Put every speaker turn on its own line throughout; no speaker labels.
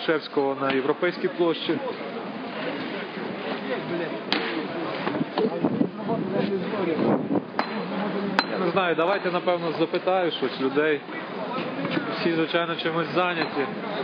Грушевського на Європейській площі. Я не знаю, давайте, напевно, запитаю щось людей. Всі, звичайно, чимось зайняті.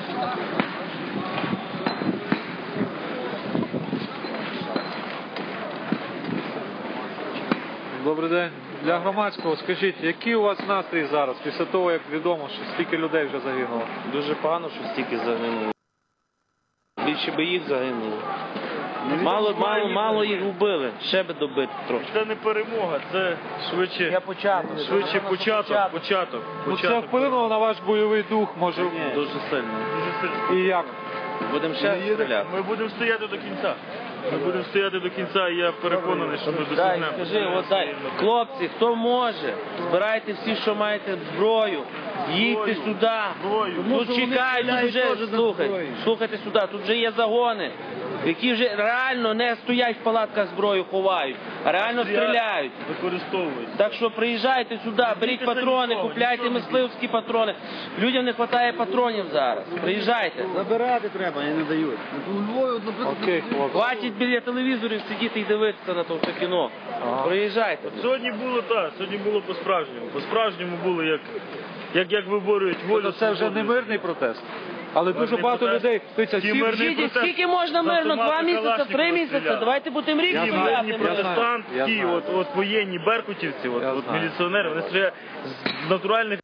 Добрий день. Для громадського скажіть, який у вас настрій зараз, після того, як відомо, що стільки людей вже загинуло?
Дуже погано, що стільки загинуло. Більше би їх загинуло. Мало їх вбили, ще би добити трохи.
Це не перемога, це швидше початок.
Ну, це вплинуло на ваш бойовий дух, може?
Дуже сильно.
І як?
Будемо ще стріляти.
Ми будемо стояти до кінця. І я переконаний, що ми досягнемо.
Скажи, хлопці, хто може, збирайте всі, що маєте зброю, їдьте сюди. Тут чекають, тут вже, слухайте сюди, тут вже є загони, які вже реально не стоять в палатках, зброю ховають, а реально стріляють.
Використовують.
Так що приїжджайте сюди, беріть патрони, купляйте мисливські патрони. Людям не вистачає патронів зараз. Приїжджайте.
Забирати треба, і не дають.
Окей, хлопці.
Хватить біля телевізорів сидіти і дивитися на то кіно. Приїжджайте.
Сьогодні було по-справжньому. По-справжньому було, як виборюють волю.
Це вже не мирний протест, але дуже багато людей.
Скільки можна мирно? 2 місяці, 3 місяці? Давайте будемо рік
мирні
стояти.
протестантські, от воєнні беркутівці, от міліціонери, вони стріляють з натуральних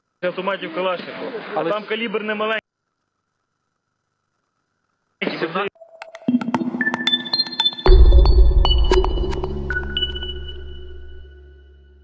автоматів Калашникова. А там калібр не маленький.